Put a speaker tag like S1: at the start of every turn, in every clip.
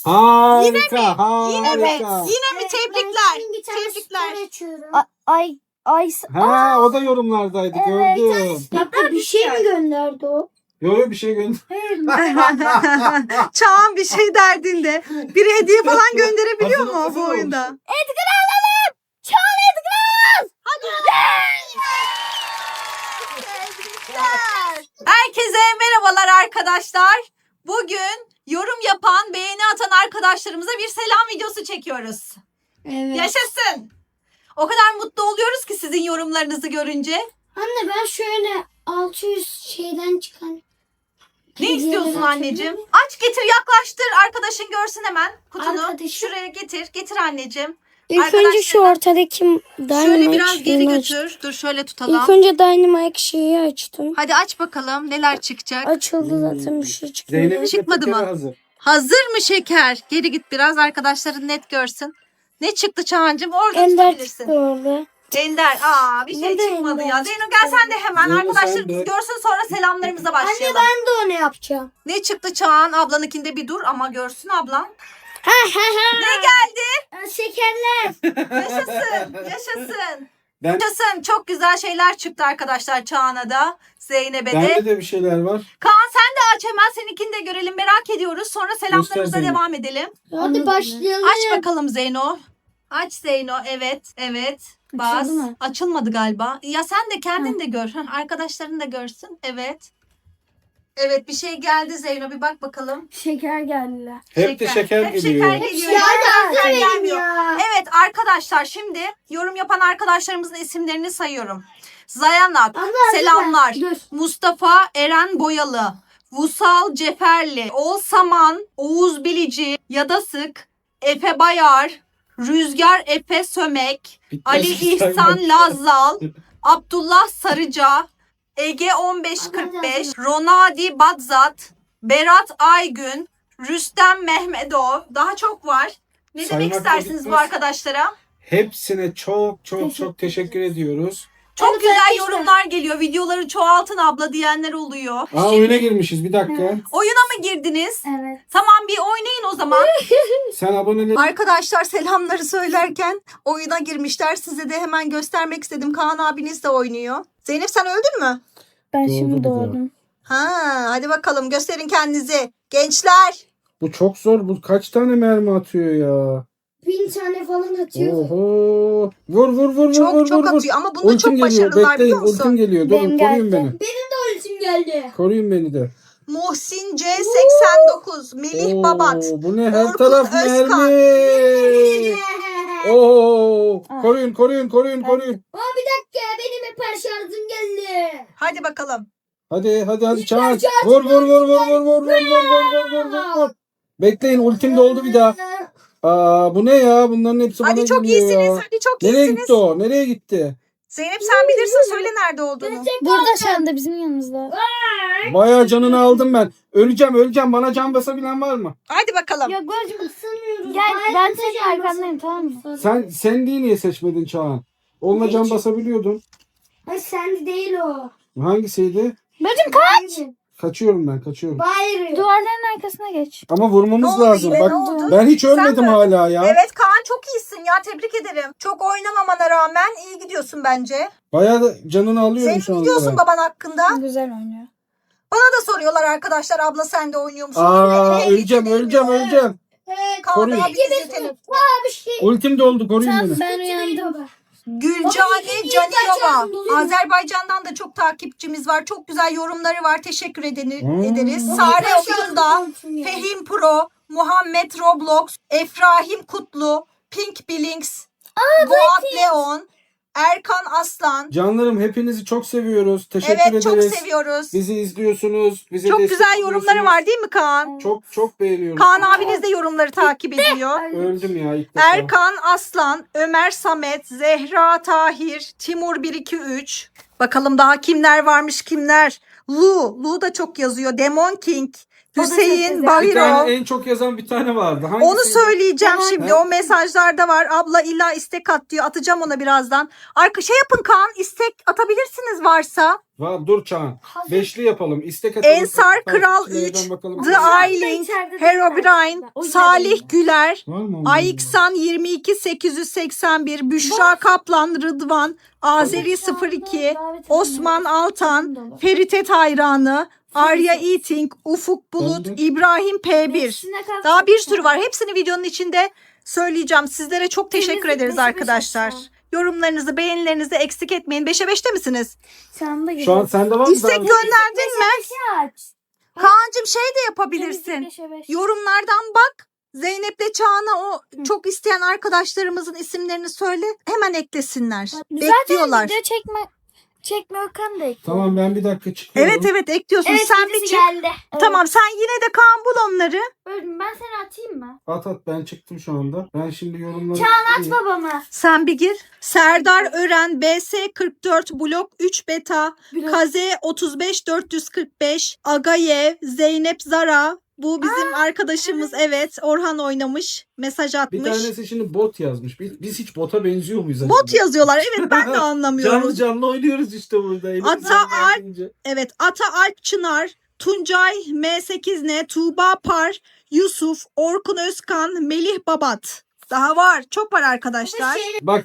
S1: Harika, harika.
S2: Yine mi? Tebrikler. Tebrikler.
S3: Ay.
S1: Ha, o da yorumlardaydı, gördüm.
S3: Hatta bir şey mi gönderdi o?
S1: Yok bir şey gönder.
S2: Çağan bir şey derdinde. Biri hediye falan gönderebiliyor mu bu oyunda?
S3: Edgar alalım. Çağan Edgar.
S2: Herkese merhabalar arkadaşlar. Bugün yorum yapan, beğeni atan arkadaşlarımıza bir selam videosu çekiyoruz.
S3: Evet.
S2: Yaşasın. O kadar mutlu oluyoruz ki sizin yorumlarınızı görünce.
S3: Anne ben şöyle 600 şeyden çıkan.
S2: Ne istiyorsun anneciğim? Aç getir, yaklaştır, arkadaşın görsün hemen kutunu.
S3: Arkadaşım.
S2: Şuraya getir anneciğim.
S3: İlk önce şu ortadaki
S2: Şöyle biraz geri
S3: Dynamite
S2: götür. Dur şöyle tutalım.
S3: İlk önce Dynamite şeyi açtım.
S2: Hadi aç bakalım neler çıkacak.
S3: Açıldı zaten bir şey çıkmadı.
S1: Zeynep'in
S2: Çıkmadı mı?
S1: Hazır.
S2: Hazır mı şeker? Geri git biraz, arkadaşların net görsün. Ne çıktı Çağancığım? Orada
S3: Ender
S2: tutabilirsin.
S3: çıktı orada.
S2: Ender. Bir şey
S3: Ne de
S2: çıkmadı
S3: Ender
S2: ya. Zeyno gel sen de hemen.
S1: Zeyno,
S2: Arkadaşlarımız
S1: sen de.
S2: görsün, sonra selamlarımıza başlayalım.
S3: Ben de onu yapacağım.
S2: Ne çıktı Çağan? Ablanınkinde bir dur ama görsün ablan. Ne geldi?
S3: Şekerler.
S2: Yaşasın.
S1: Ben,
S2: Yaşasın. Çok güzel şeyler çıktı arkadaşlar Çağan'a da. Zeynep'e de.
S1: bende de bir şeyler var.
S2: Kaan sen de aç hemen, seninkini de görelim, merak ediyoruz. Sonra selamlarımıza
S1: Göster Zeynep.
S2: devam edelim.
S3: Hadi başlayalım.
S2: Aç bakalım Zeyno. Aç Zeyno. Evet. Bas.
S3: Açıldı mı?
S2: Açılmadı galiba. Ya sen de kendin de gör. Arkadaşların da görsün. Evet bir şey geldi Zeyno. Bir bak bakalım.
S3: Şeker geldiler.
S1: Hep de şeker
S2: Hep
S1: geliyor.
S2: şeker geliyor.
S3: Ya da
S2: Şeker
S3: benim
S2: gelmiyor.
S3: ya.
S2: Evet arkadaşlar, şimdi yorum yapan arkadaşlarımızın isimlerini sayıyorum. Zayanak, selamlar.
S3: Dur.
S2: Mustafa Eren Boyalı, Vusal Ceferli, Olsaman, Oğuz Bilici, Yadasık, Efe Bayar, Rüzgar Efe Sömek, Ali İhsan Lazzal, Abdullah Sarıca, Ege 1545, Ronadi Badzat, Berat Aygün, Rüstem Mehmedov. Daha çok var. Ne demek
S1: Saymakla
S2: istersiniz bu
S1: bitmez.
S2: arkadaşlara?
S1: Hepsine çok teşekkür ediyoruz.
S2: Çok
S3: Evet,
S2: güzel
S3: arkadaşlar.
S2: yorumlar geliyor. Videoları çoğaltın abla diyenler oluyor.
S1: Oyuna girmişiz, bir dakika.
S2: Oyuna mı girdiniz?
S3: Evet.
S2: Tamam, bir oynayın o zaman.
S1: Sen aboneleri
S2: Arkadaşlar selamları söylerken oyuna girmişler. Size de hemen göstermek istedim. Kaan abiniz de oynuyor. Zeynep sen öldün mü?
S3: Ben
S1: Doğdu
S3: şimdi
S1: bir de.
S3: doğdum.
S2: Hadi bakalım gösterin kendinizi. Gençler.
S1: Bu çok zor. Bu kaç tane mermi atıyor ya?
S3: 1000 tane falan atıyor.
S1: Oho. Vur.
S2: Çok atıyor ama bunda çok
S1: geliyor.
S2: başarılılar,
S1: Bekleyin,
S2: biliyor musun?
S1: ultim geliyor.
S3: Benim
S1: Durun, koruyun
S3: geldi.
S1: beni.
S3: Ultim geldi.
S1: Koruyun beni de.
S2: Muhsin C89, Melih Babat,
S1: Bu ne? Her
S2: Orkun
S1: taraf
S2: Özkan.
S1: mermi. Oo. Koruyun.
S3: Aa, bir dakika benim hiper şarjım geldi.
S2: Hadi bakalım.
S1: Hadi çağır. Vur. Bekleyin, ultim doldu bir daha. Bu ne ya? Bunların hepsi bana
S2: Hadi çok
S1: geliyor
S2: iyisiniz.
S1: ya.
S2: Hadi çok
S1: Nereye
S2: iyisiniz.
S1: gitti o? Nereye gitti?
S2: Zeynep sen bilirsin, söyle nerede olduğunu.
S3: Burada şu anda bizim yanımızda.
S1: Bayağı canını aldım ben. Öleceğim. Bana can basabilen var mı?
S2: Hadi bakalım.
S3: Ya gözüm ısınmıyoruz. Gel ben senin arkandayım, tamam mı?
S1: Sen diye niye seçmedin Çağan? Onunla can basabiliyordun.
S3: Ay sen değil o.
S1: Hangisiydi?
S3: Bacım kaç.
S1: Kaçıyorum ben.
S3: Hayır. Duvarların arkasına geç.
S1: Ama vurmamız
S2: Ne oldu
S1: lazım.
S2: yine,
S1: Bak
S2: ne oldu?
S1: ben hiç
S2: Sen
S1: ölmedim
S2: mi?
S1: hala ya.
S2: Evet Kaan, çok iyisin ya, tebrik ederim. Çok oynamamana rağmen iyi gidiyorsun bence.
S1: Bayağı da canını alıyorum
S2: Senin
S1: şu
S2: ne
S1: anda.
S2: diyorsun baban hakkında?
S3: Güzel oynuyor.
S2: Bana da soruyorlar arkadaşlar, abla sen de oynuyor musun? Hey,
S1: Öleceğim.
S2: Kaan
S1: Koruyun.
S2: abi bizi telefon.
S3: Bir şey.
S1: Ultim doldu, koruyun beni.
S3: Ben uyandım.
S2: Gülcane Canilova. Azerbaycan'dan da çok takipçimiz var. Çok güzel yorumları var. Teşekkür ederiz. Sare Oyunda, Fehim Pro, Muhammed Roblox, Efrahim Kutlu, Pink Billings, Boğat Leon, Erkan Aslan.
S1: Canlarım, hepinizi çok seviyoruz. Teşekkür
S2: Evet, çok
S1: ederiz.
S2: seviyoruz.
S1: Bizi izliyorsunuz. Bize
S2: Çok
S1: destek
S2: güzel yorumları
S1: oluyorsunuz.
S2: var değil mi Kaan?
S1: Çok beğeniyorum.
S2: Kaan abiniz de yorumları takip ediyor.
S1: Öldüm ya ilk defa.
S2: Erkan Aslan, Ömer Samet, Zehra Tahir, Timur 123. Bakalım daha kimler varmış, kimler? Lu da çok yazıyor. Demon King, Hüseyin
S1: Bir
S2: Bahiro.
S1: tane en çok yazan bir tane vardı. Hangisiydi?
S2: Onu söyleyeceğim
S3: Demon
S2: şimdi.
S1: King.
S2: O mesajlarda var. Abla illa istek at diyor. Atacağım ona birazdan. Şey yapın Kaan, istek atabilirsiniz varsa.
S1: Var, dur Çağan.
S3: Hazır.
S1: Beşli yapalım. İstek atalım.
S2: Ensar Kral
S1: Takipçilerden
S2: 3,
S1: bakalım.
S2: The
S3: Hazır.
S2: Ailing,
S3: İçeride değil
S2: Herobrine,
S3: mi? O
S2: Salih
S3: içeride.
S2: Güler,
S1: Var mı onun?
S2: Ayiksan 22881, Büşra Kaplan, Rıdvan, Azeri 02, Osman Altan, Feritet Hayranı, Arya Eating, Ufuk Bulut,
S1: Ben de.
S2: İbrahim P1.
S3: Hepsine kalk-
S2: Daha bir sürü var. Hepsini videonun içinde söyleyeceğim. Sizlere çok teşekkür
S3: Temizlik
S2: ederiz
S3: beşe beş
S2: arkadaşlar.
S3: aşağı.
S2: Yorumlarınızı, beğenilerinizi eksik etmeyin. 5'e 5'te misiniz?
S3: Sen de
S1: Şu an sende var mı?
S2: İstek gönderdin mi?
S3: aç.
S2: Kaan'cığım şey de yapabilirsin. Yorumlardan bak. Zeynep'le Çağan'a o çok isteyen arkadaşlarımızın isimlerini söyle. Hemen eklesinler. Bekliyorlar.
S3: Video çekme Okan da ekliyor.
S1: Tamam, ben bir dakika çıkıyorum.
S2: Evet ekliyorsun.
S3: Evet,
S2: Sen bir
S3: birisi
S2: çık.
S3: geldi. Evet.
S2: Tamam sen yine de Kaan bul onları.
S3: Ben seni atayım mı?
S1: At, ben çıktım şu anda. Ben şimdi yorumları...
S3: Aç babama.
S2: Sen bir gir. Serdar Ören, BS44, Blok 3 Beta, Kaze 35445, Agayev, Zeynep Zara. Bu bizim arkadaşımız. Evet. Orhan oynamış. Mesaj
S1: Bir
S2: atmış.
S1: tanesi şimdi bot yazmış. Biz hiç bota benziyor muyuz?
S2: Bot
S1: acaba?
S2: yazıyorlar. Evet ben de anlamıyorum.
S1: Canlı canlı oynuyoruz işte burada.
S2: Ata Alp. Evet. Ata Alp Çınar, Tuncay M8N, Tuğba Par, Yusuf, Orkun Özkan, Melih Babat. Daha var. Çok var arkadaşlar.
S1: Bak,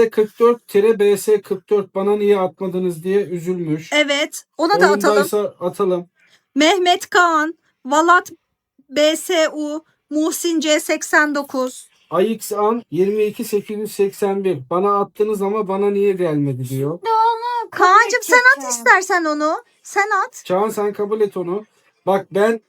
S1: BS44-BS44 bana niye atmadınız diye üzülmüş.
S2: Evet. Ona da atalım.
S1: Oyundaysa atalım.
S2: Mehmet Kaan, Valat BSU, Muhsin C89.
S1: AXAN 22881 bana attınız ama bana niye gelmedi diyor.
S2: Kaan'cığım sen at istersen onu. Sen at.
S1: Çağan, sen kabul et onu. Bak, ben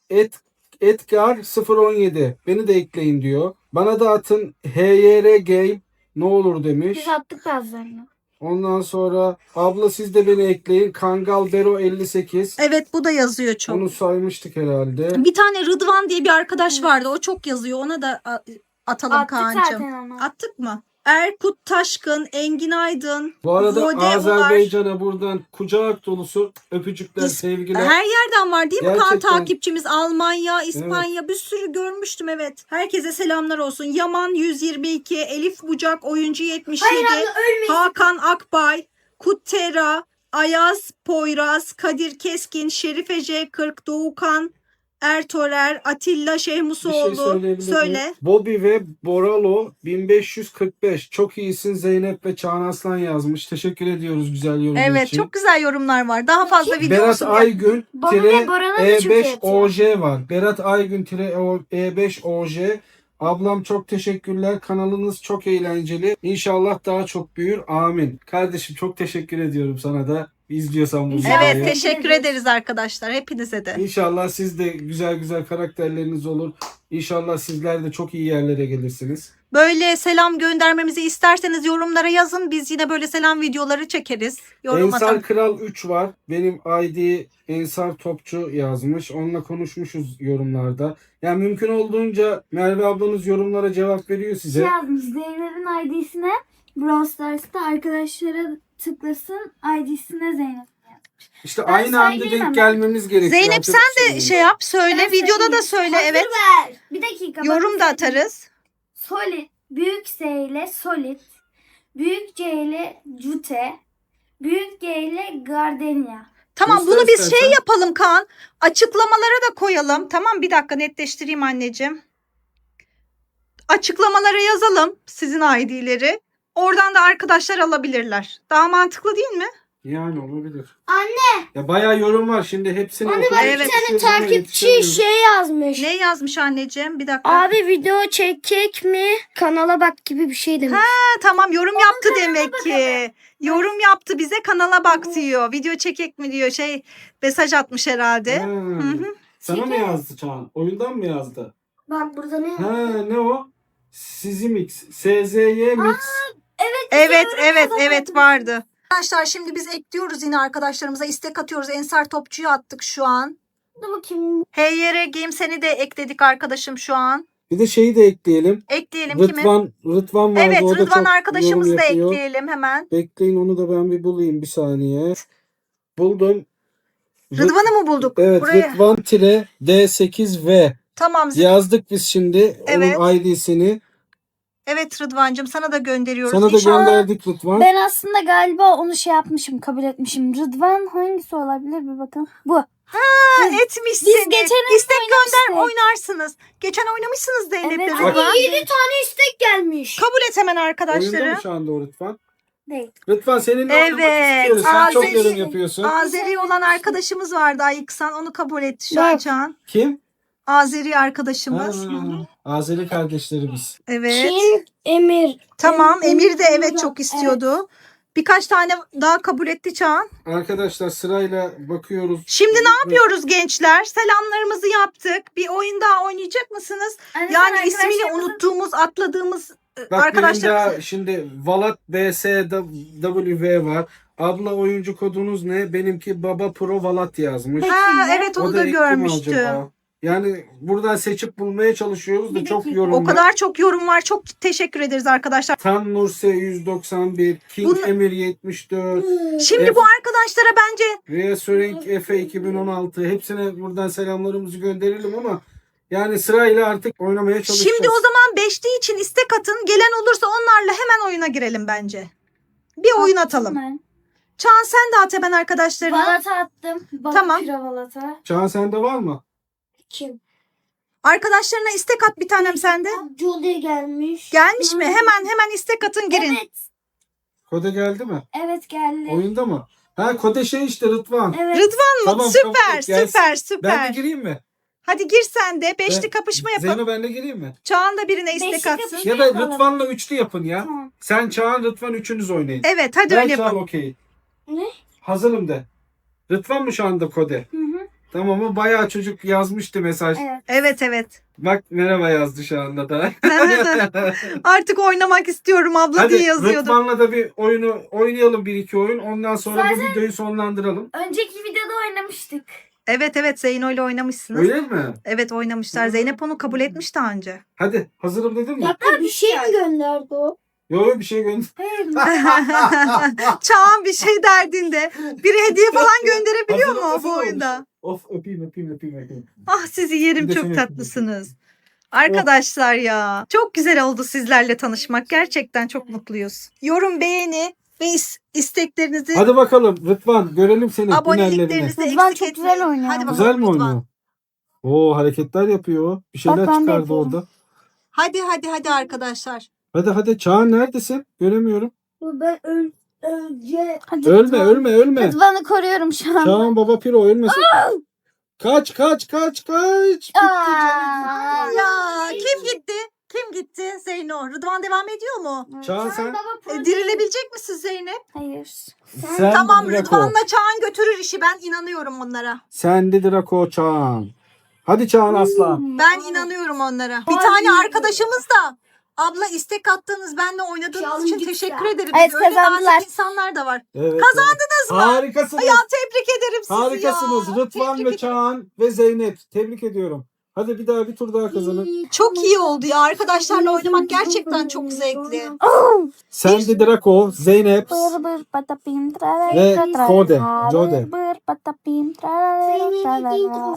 S1: Edgar 017 beni de ekleyin diyor. Bana da atın HYR Game ne olur demiş.
S3: Biz attık bazılarını.
S1: Ondan sonra abla siz de beni ekleyin. Kangal Bero 58.
S2: Evet bu da yazıyor çok.
S1: Onu saymıştık herhalde.
S2: Bir tane Rıdvan diye bir arkadaş vardı. O çok yazıyor. Ona da atalım
S3: Attık
S2: Kaan'cığım.
S3: zaten onu.
S2: Attık mı? Erkut Taşkın, Engin Aydın,
S1: Bu arada
S2: Vode
S1: Azerbaycan'a buradan kucak dolusu öpücükler, sevgiler.
S2: Her yerden var değil mi Kaan
S1: Gerçekten.
S2: takipçimiz? Almanya, İspanya bir sürü görmüştüm evet. Herkese selamlar olsun. Yaman 122, Elif Bucak, Oyuncu 77,
S3: Hayır abla ölmeyin.
S2: Hakan Akbay, Kuttera, Ayaz Poyraz, Kadir Keskin, Şerife J40, Doğukan Ertorer, Atilla
S1: Bir şey
S2: Şehmusoğlu.
S1: söyleyebilir
S2: Söyle.
S1: miyim? Bobby ve Boralo 1545. Çok iyisin Zeynep ve Çağan Aslan yazmış. Teşekkür ediyoruz güzel yorum
S2: Evet
S1: için.
S2: çok güzel yorumlar var. Daha fazla video
S1: Berat
S2: olsun diye.
S1: Aygün
S3: Bobby ve Boralo da çok iyi
S1: E5OJ var. Berat Aygün E5OJ. Ablam çok teşekkürler. Kanalınız çok eğlenceli. İnşallah daha çok büyür. Amin. Kardeşim çok teşekkür ediyorum sana da. İzliyorsan bu videoyu.
S2: Evet teşekkür ederiz arkadaşlar. Hepinize de.
S1: İnşallah siz de güzel güzel karakterleriniz olur. İnşallah sizler de çok iyi yerlere gelirsiniz.
S2: Böyle selam göndermemizi isterseniz yorumlara yazın. Biz yine böyle selam videoları çekeriz. Yorum
S1: Ensar
S2: atalım.
S1: Kral 3 var. Benim ID Ensar Topçu yazmış. Onunla konuşmuşuz yorumlarda. Yani mümkün olduğunca Merve ablanız yorumlara cevap veriyor size.
S3: Yazmış Zeynep'in ID'sine Brawl Stars'ta arkadaşlara tıklasın ID'sine Zeynep.
S1: İşte
S3: Ben
S1: aynı anda
S3: söyleyeyim
S1: denk
S3: ama.
S1: gelmemiz gerekiyor.
S2: Zeynep
S1: Yapacak
S2: sen
S1: bir
S2: de
S1: şey
S2: şey
S1: yok.
S2: yap söyle. Videoda da söyle
S3: Hazır
S2: evet.
S3: ver. Bir dakika.
S2: Yorum da atarız.
S3: Solid. Büyük S ile Solid. Büyük C ile Jute. Büyük G ile Gardenia.
S2: Tamam
S1: Göster
S2: bunu biz
S1: istersen.
S2: şey yapalım Kaan. Açıklamalara da koyalım. Tamam bir dakika netleştireyim anneciğim. Açıklamalara yazalım sizin ID'leri. Oradan da arkadaşlar alabilirler. Daha mantıklı değil mi?
S1: Yani olabilir.
S3: Anne.
S1: Ya bayağı yorum var şimdi hepsini
S3: Anne
S1: okuyup
S3: bak
S2: Evet.
S3: bir tane
S1: yetiştirmeye
S3: takipçi
S1: yetişemiyorum.
S3: yazmış.
S2: Ne yazmış anneciğim? Bir dakika.
S3: Abi video çekecek mi? Kanala bak gibi bir şey demiş.
S2: Ha, tamam yorum yaptı demek ki. Yorum yaptı bize kanala bak diyor. Video çekek mi diyor. Mesaj atmış herhalde.
S1: Ha.
S2: Hı.
S1: Sana ne yazdı Çağan? Oyundan mı yazdı?
S3: Bak burada ne?
S1: Ha, ne o? Sizi mix. SZY mix.
S2: Evet vardı. Arkadaşlar şimdi biz ekliyoruz yine arkadaşlarımıza istek atıyoruz. Ensar Topçu'yu attık şu an.
S3: Dur bakayım.
S2: HYR Game seni de ekledik arkadaşım şu an.
S1: Bir de şeyi de ekleyelim.
S2: Ekleyelim kimi?
S1: Rıdvan vardı.
S2: Evet
S1: o da
S2: Rıdvan
S1: çok
S2: arkadaşımızı
S1: yorum
S2: da
S1: yapıyor.
S2: ekleyelim hemen.
S1: Bekleyin, onu da ben bir bulayım bir saniye. Buldum.
S2: Rıdvan'ı mı bulduk?
S1: Evet,
S2: Buraya.
S1: Rıdvan-D8V
S2: Tamam.
S1: yazdık biz şimdi
S2: Evet.
S1: onun ID'sini.
S2: Evet Rıdvancığım, sana da gönderiyoruz.
S1: Sana da
S2: İnşallah.
S1: gönderdik Rıdvan.
S3: Ben aslında galiba onu şey yapmışım, kabul etmişim. Rıdvan hangisi olabilir bir bakın. Bu.
S2: Etmişsin.
S3: Biz geçen
S2: İstek gönder,
S3: oynamıştık.
S2: oynarsınız. Geçen oynamışsınız Zeynep'le
S3: Evet.
S2: Rıdvan.
S3: 7 tane istek gelmiş.
S2: Kabul et hemen
S1: Oyunda
S2: arkadaşları.
S1: mı şu anda o Rıdvan?
S3: Değil.
S1: Rıdvan seninle oynamak
S2: Evet,
S1: istiyoruz. Sen çok
S2: Azeri-
S1: yorum yapıyorsun.
S2: Azeri olan arkadaşımız vardı Ayıksan, onu kabul etti şu an
S3: Evet.
S2: Çağan.
S1: Kim?
S2: Azeri arkadaşımız.
S1: Ha, Azeri kardeşlerimiz.
S2: Evet.
S3: Kim? Emir.
S2: Tamam, Emir de evet
S3: Evet.
S2: çok istiyordu. Birkaç tane daha kabul etti Çağan.
S1: Arkadaşlar sırayla bakıyoruz.
S2: Şimdi ne yapıyoruz gençler? Selamlarımızı yaptık. Bir oyun daha oynayacak mısınız? Yani ismini unuttuğumuz, atladığımız
S1: Bak
S2: arkadaşlar.
S1: benim daha şimdi Valat BSW var. Abla oyuncu kodunuz ne? Benimki Baba Pro Valat yazmış.
S2: Ha, evet onu
S1: O
S2: da
S1: ekli mi
S2: görmüştüm.
S1: acaba? Yani buradan seçip bulmaya çalışıyoruz da
S3: Bir
S1: çok
S3: dakika.
S1: yorum
S2: O
S1: var.
S2: kadar çok yorum var. Çok teşekkür ederiz arkadaşlar.
S1: Tan Nurse 191, King
S2: Bunu-
S1: Emir 74,
S2: Şimdi bu arkadaşlara bence
S1: Reassuring Efe 2016 hepsine buradan selamlarımızı gönderelim ama yani sırayla artık oynamaya çalışacağız.
S2: şimdi o zaman beşli için istek atın. Gelen olursa onlarla hemen oyuna girelim bence. Bir oyun atalım. Çağan sen de at hemen arkadaşlarına.
S3: Valata attım.
S2: Tamam.
S3: Pira Valata.
S1: Çağan sende var mı?
S3: Kim?
S2: Arkadaşlarına istek at bir tanem sende.
S3: Julie gelmiş.
S2: Gelmiş mi? Hemen istek atın girin.
S3: Evet.
S1: Kode geldi mi?
S3: Evet geldi.
S1: Oyunda mı? Ha kode şey işte Rıdvan.
S3: Evet.
S2: Rıdvan mı?
S1: Tamam,
S2: Süper,
S1: gelsin.
S2: süper,
S1: Ben
S2: süper.
S1: de gireyim mi?
S2: Hadi gir sen de. Beşli
S1: Ben-
S2: kapışma yapalım.
S1: Zeyno ben de gireyim mi?
S2: Çağan da birine istek
S3: Beşli
S2: atsın.
S3: kapışma.
S1: Ya da
S3: yapalım.
S1: Rıdvan'la üçlü yapın ya.
S3: Tamam.
S1: Sen Çağan Rıdvan üçünüz oynayın.
S2: Evet hadi
S1: Ben
S2: öyle
S1: Çağan
S2: yapalım.
S1: okey.
S3: Ne?
S1: Hazırım de. Rıdvan mı şu anda kode?
S3: Hı hı.
S1: Tamam mı? Bayağı çocuk yazmıştı mesaj.
S3: Evet.
S2: Evet.
S1: Bak merhaba yazdı şu anda da.
S2: Artık oynamak istiyorum abla diye
S1: Hadi
S2: yazıyordum.
S1: Rıdvan'la da bir oyunu oynayalım bir iki oyun. Ondan sonra bu videoyu sonlandıralım.
S3: Önceki videoda oynamıştık.
S2: Evet Zeyno ile oynamışsınız.
S1: Öyle mi?
S2: Evet oynamışlar. Zeynep onu kabul etmiş daha önce.
S1: Hadi hazırım dedim mi?
S3: Hatta bir şey mi gönderdi o?
S1: Yok bir şey gönder.
S3: Hayır.
S2: Çağan bir şey derdinde. Biri hediye falan gönderebiliyor
S1: Hazırım,
S2: mu
S1: hazır
S2: bu
S1: olmuş.
S2: oyunda?
S1: Of öpeyim.
S2: Ah sizi yerim,
S1: Bir de
S2: çok
S1: seni
S2: tatlısınız. Arkadaşlar ya çok güzel oldu sizlerle tanışmak. Gerçekten çok mutluyuz. Yorum, beğeni ve isteklerinizi,
S1: Hadi bakalım Rıdvan görelim seni hünerlerini.
S2: aboneliklerinizi
S3: Rıdvan
S2: eksik
S3: çok güzel
S2: etmeyin.
S3: oynuyor.
S2: Hadi bakalım
S1: Güzel mi
S2: Rıdvan.
S1: oynuyor? Oo hareketler yapıyor. Bir şeyler
S3: Bak, ben de
S1: çıkardı
S3: yapıyorum.
S1: orada.
S2: Hadi arkadaşlar.
S1: Hadi Çağan neredesin? Göremiyorum.
S3: Ben önce... Hadi
S1: Ölme.
S3: Rıdvan'ı koruyorum şu an.
S1: Çağan Baba Piro ölmesin. Kaç. Bitti canım.
S2: Ya kim gitti? Zeyno. Rıdvan devam ediyor mu?
S1: Çağan sen.
S2: Dirilebilecek misin Zeynep?
S3: Hayır.
S1: Sen
S2: Tamam
S1: Draco.
S2: Rıdvan'la Çağan götürür işi. Ben inanıyorum onlara.
S1: Sen de Draco Çağan. Hadi Çağan aslan.
S2: Ben inanıyorum onlara. Bir tane arkadaşımız da abla istek attığınız, benle oynadığınız
S3: Çağan
S2: için
S3: gitti.
S2: teşekkür ederim.
S3: Evet,
S2: Öyle
S3: kazandılar.
S2: nazik insanlar da var.
S1: Evet,
S2: Kazandınız mı?
S1: Harikasınız.
S2: Ya tebrik ederim sizi
S1: Harikasınız.
S2: ya.
S1: Rıdvan
S2: Tebrik
S1: ve
S2: ederim.
S1: Çağan ve Zeynep. Tebrik ediyorum. Hadi bir tur daha kazanın.
S2: Çok iyi oldu ya. Arkadaşlarla oynamak gerçekten çok zevkli.
S1: Sen de Draco, Zeynep
S3: Bır bır patapim
S1: ve
S3: tralala.
S1: Jode.
S3: Bır bır patapim tralala.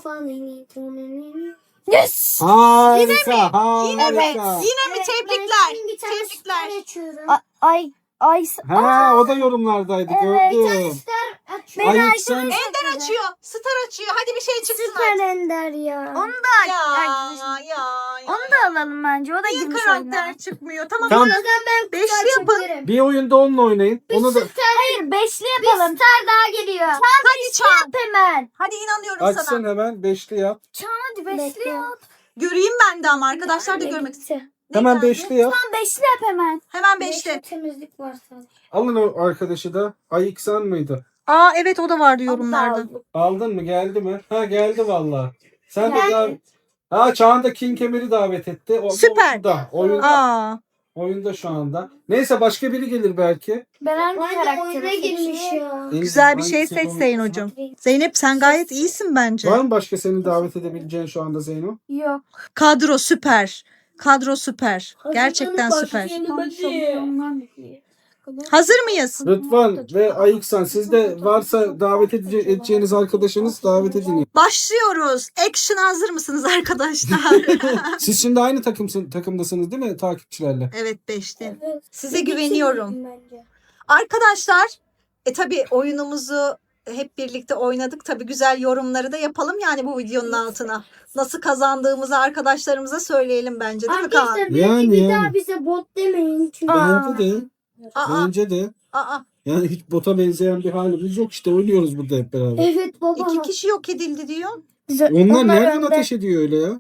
S3: Yes.
S1: Harika.
S2: Evet.
S1: Harika.
S2: Yine mi? Tebrikler. Tebrikler.
S3: Ay.
S1: Ha o da yorumlardaydı
S3: Evet.
S1: gördüm. Ay sen
S2: Ender açıyor. Star açıyor. Hadi bir şey çıksın.
S3: Kalender ya. Onu da
S2: Ya.
S3: Onu da alalım bence. O da
S2: Niye
S3: girmiş
S2: karakter
S3: oyuna.
S2: çıkmıyor? Tamam.
S1: Tam
S2: Beşli yapın.
S1: bir oyunda onunla oynayın. Onu da
S3: Hayır beşli yapalım. Star daha geliyor.
S2: Hadi Çağan.
S3: Hemen.
S2: Hadi inanıyorum
S1: açsın
S2: sana.
S1: hemen beşli yap.
S3: Hadi beşli yap.
S2: Göreyim ben de ama arkadaşlar da görmek istiyor.
S1: Hemen beşli yap.
S3: Tamam beşli yap hemen.
S2: Hemen beşli.
S3: Temizlik varsa.
S1: Alın o arkadaşı da. Ayıksan mıydı?
S2: Aa evet o da vardı yorumlarda.
S1: Aldın mı? Geldi mi? Ha geldi valla. Sen de daha... Çağan da King Emir'i davet etti. O,
S2: Süper.
S1: Oyunda.
S2: Aa.
S1: Oyunda şu anda. Neyse başka biri gelir belki.
S3: Ben hangi karaktere girmiş ya?
S2: Güzel bir şey
S1: Hangisi
S2: seç
S1: onu-
S2: Zeyn hocam. Zeynep sen gayet iyisin bence.
S1: Var mı başka seni davet edebileceğin şu anda Zeyno?
S3: Yok.
S2: Kadro süper. Kadro süper. Gerçekten süper. Hazır mıyız?
S1: Rıdvan ve Ayıksan, sizde varsa davet edeceğiniz arkadaşınız davet edin.
S2: Başlıyoruz. Action hazır mısınız arkadaşlar?
S1: Siz şimdi aynı takımdasınız değil mi takipçilerle?
S2: Evet 5'te.
S3: Evet.
S2: Size güveniyorum. Arkadaşlar tabii oyunumuzu hep birlikte oynadık. Tabii güzel yorumları da yapalım yani bu videonun altına. Nasıl kazandığımızı arkadaşlarımıza söyleyelim bence değil mi Kaan?
S3: Arkadaşlar
S1: Yani,
S3: bir
S1: yani.
S3: daha bize bot demeyin. Çünkü
S1: Bence de.
S2: Aa,
S1: Bence de.
S2: aa.
S1: Yani hiç bota benzeyen bir halimiz yok, işte oynuyoruz burada hep beraber.
S3: Evet baba.
S2: 2 kişi yok edildi diyor.
S1: Onlar nereden ateş ediyor öyle ya?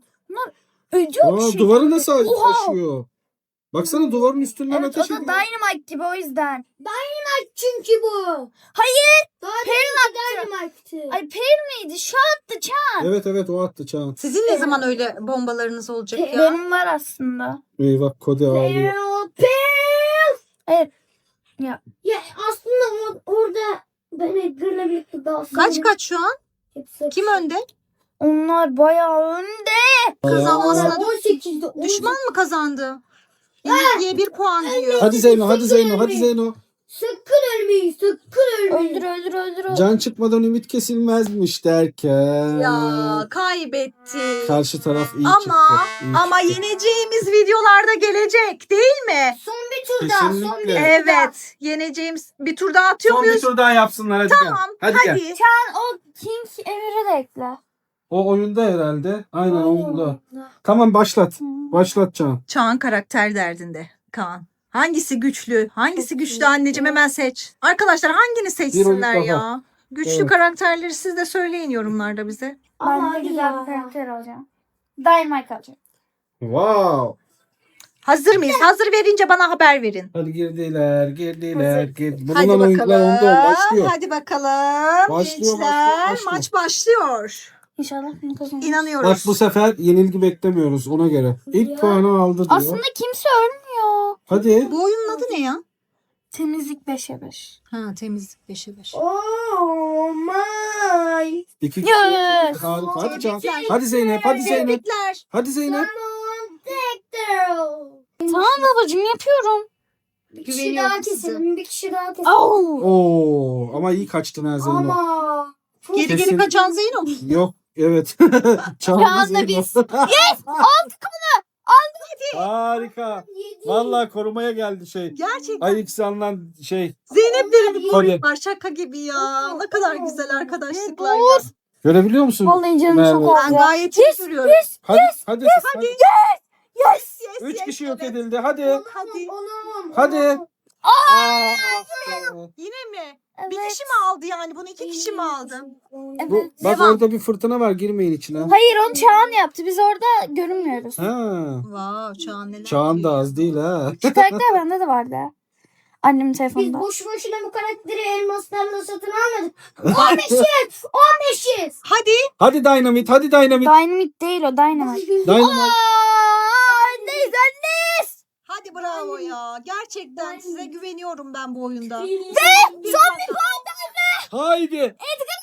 S1: Aa, duvarı nasıl aşıyor? Baksana duvarın üstünden
S4: Evet,
S1: ateş
S4: o da
S1: ediyor.
S4: Dynamite gibi, o yüzden.
S3: Çünkü bu.
S4: Hayır.
S3: Dynamite'tı.
S4: Ay Peril miydi? Şu attı Çağan.
S1: Evet o attı Çağan.
S2: Sizin ne zaman öyle bombalarınız olacak ya?
S4: Benim var aslında.
S1: Eyvah Kode ağlıyor.
S4: Evet.
S3: Ya aslında orada ben Edgar'la birlikte daha
S2: Kaç şu an? Kim önde?
S4: Onlar bayağı önde.
S2: Kazanmasına
S3: 18'de
S2: düşman mı kazandı? Yenilgiye 1 puan diyor.
S1: Hadi Zeyno.
S3: Sakın ölmeyin, sakın ölmeyin.
S4: Öldür.
S1: Can çıkmadan ümit kesilmezmiş derken.
S2: Ya kaybetti.
S1: Karşı taraf iyi
S2: Ama-
S1: çıktı. iyi
S2: Ama
S1: çıktı.
S2: yeneceğimiz videolarda gelecek değil mi?
S3: Son bir tur daha, son bir
S1: Kesinlikle.
S3: tur daha.
S2: Evet. Yeneceğimiz bir tur daha atıyor
S1: Son bir
S2: muyuz?
S1: tur daha yapsınlar hadi
S2: Tamam.
S1: gel.
S2: Hadi.
S1: Hadi gel.
S4: O King Emir'i de ekle.
S1: O oyunda herhalde. Aynen oyunda. Tamam başlat. Başlat Can.
S2: Çağan karakter derdinde Kaan. Hangisi güçlü? Hangisi güçlü anneciğim, hemen seç. Arkadaşlar hangini seçsinler
S1: oyun daha.
S2: ya? Güçlü
S1: Evet.
S2: karakterleri siz de söyleyin yorumlarda bize.
S4: Ben
S3: Ama
S4: de
S3: hadi
S4: güzel
S3: ya.
S4: bir karakter alacağım. Dynamite alacağım.
S1: Wow.
S2: Hazır mıyız? Hazır verince bana haber verin.
S1: Hadi girdiler.
S2: Hadi
S1: Bulunan oyuncular
S2: bakalım.
S1: onda başlıyor.
S2: Hadi bakalım.
S1: Başlıyor,
S2: Gençler,
S1: başlıyor.
S2: maç başlıyor.
S4: İnşallah bunu kazanırız.
S2: İnanıyoruz.
S1: Bak bu sefer yenilgi beklemiyoruz ona göre. İlk
S3: Ya.
S1: puanı aldı diyor.
S4: Aslında kimse ölmüyor.
S1: Hadi.
S2: Bu oyunun adı ne ya?
S4: Temizlik 5'e 5.
S2: Ha, temizlik 5'e 5.
S3: Oh my.
S1: İki
S4: Yes.
S1: Harika. Hadi Can.
S2: Tebrikler.
S1: Hadi Zeynep.
S2: Tebrikler.
S1: Hadi Zeynep.
S3: Tamam, Hector.
S4: Tamam babacığım, yapıyorum.
S3: Bir kişi
S2: Güveniyorum
S3: daha
S2: size.
S3: keselim, bir kişi daha keselim.
S4: Oh.
S1: Oo, ama iyi kaçtın ha Zeynep.
S3: Ama.
S2: Geri
S1: Kesin-
S2: geri kaçan Zeyno.
S1: Yok. Evet. Çağla
S4: Çağla
S1: Zeynep.
S4: biz.
S1: Harika. Vallahi korumaya geldi şey.
S2: Gerçekten.
S1: Ayıksanlan şey.
S2: Zeynep'lerin bir
S1: Kolye.
S2: koyu var, şaka gibi ya. Ne kadar güzel arkadaşlıklar ya.
S1: Görebiliyor musun?
S4: Vallahi canım
S1: Merve.
S4: çok
S2: Ben
S4: olacak.
S2: gayet iyi görüyorum.
S1: Hadi. Hadi.
S2: Yes,
S1: Üç
S2: yes,
S1: kişi yok
S2: evet.
S1: edildi. Hadi.
S2: Hadi.
S1: Hadi.
S2: Yine mi?
S4: Evet.
S2: Bir kişi mi aldı yani? Bunu 2 kişi mi aldı?
S1: Bu,
S4: Evet.
S1: bak
S2: Devam.
S1: orada bir fırtına var. Girmeyin içine.
S4: Hayır, onu Çağan yaptı. Biz orada görünmüyoruz.
S1: Ha.
S2: Wow, Çağan neler
S1: Çağan da
S2: yapıyor.
S1: az değil ha.
S4: Şu karakter bende de vardı. Annemin
S3: Biz
S4: telefonunda.
S3: boş boşuna bu karakteri elmaslarla satın almadık. 15'iz. 15'iz.
S2: Hadi.
S1: Hadi Dynamite. Hadi Dynamite.
S4: Dynamite değil o, Dynamite.
S1: Dynamite.
S4: Anneyiz anneyiz.
S2: Hadi bravo ya. Gerçekten size güveniyorum ben bu oyunda.
S3: Ve
S2: son bir puan.
S1: Haydi.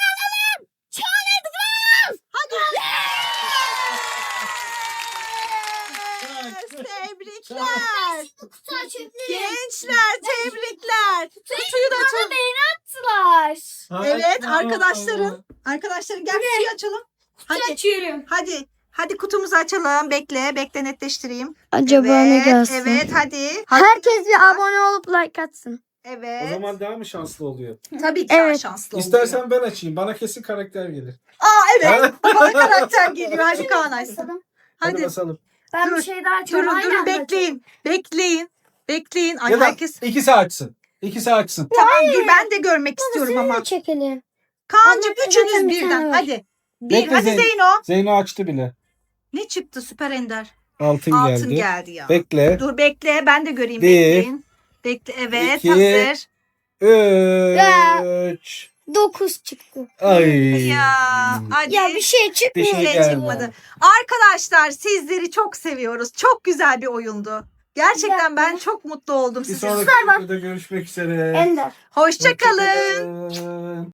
S2: Tebrikler.
S3: kutu açabilirim.
S2: Gençler tebrikler. Kutuyu da açalım.
S4: Attılar.
S2: Evet arkadaşların gel kutuyu açalım. Hadi.
S3: Açıyorum.
S2: Hadi kutumuzu açalım. Bekle netleştireyim.
S4: Acaba
S2: Evet hadi.
S4: Herkes bir abone olup like atsın.
S2: Evet.
S1: O zaman daha mı şanslı oluyor?
S2: Tabii ki daha
S4: Evet.
S2: şanslı oluyor.
S1: İstersen ben açayım. Bana kesin karakter gelir.
S2: Evet. Bana karakter geliyor. Hadi Kaan açsın.
S1: Hadi
S2: Hadi.
S1: basalım.
S4: Ben
S2: Dur,
S4: bir şey daha açıyorum.
S2: Durun
S4: Aynen.
S2: bekleyin. Ay
S1: Ya da
S2: herkes.
S1: ikisi açsın. İkisi açsın.
S2: Tamam dur ben de görmek istiyorum ama.
S3: Çekelim.
S2: Kaan'cığım
S3: Ama
S2: üçünüz
S3: zaten bir tane
S2: birden.
S3: var.
S2: Hadi.
S1: Bekle
S2: Hadi
S1: Zeynep.
S2: Zeyno.
S1: Zeyno açtı bile.
S2: Ne çıktı Süper Ender?
S1: Altın
S2: Altın
S1: geldi.
S2: geldi ya.
S1: Bekle.
S2: Dur bekle ben de göreyim.
S1: Bir,
S2: Bekleyin. Bekle evet
S1: iki,
S2: hazır.
S1: 3.
S3: 9 çıktı.
S1: Ay.
S2: Ya hadi.
S3: Ya bir şey
S1: Bir
S3: çıkmıyor.
S1: şey
S2: şey
S1: geldi.
S2: çıkmadı. Arkadaşlar sizleri çok seviyoruz. Çok güzel bir oyundu. Gerçekten ben çok mutlu oldum
S1: Bir
S2: sizinle.
S1: sonraki videoda görüşmek üzere.
S3: Ender.
S2: Hoşça kalın.
S1: Hoşça kalın.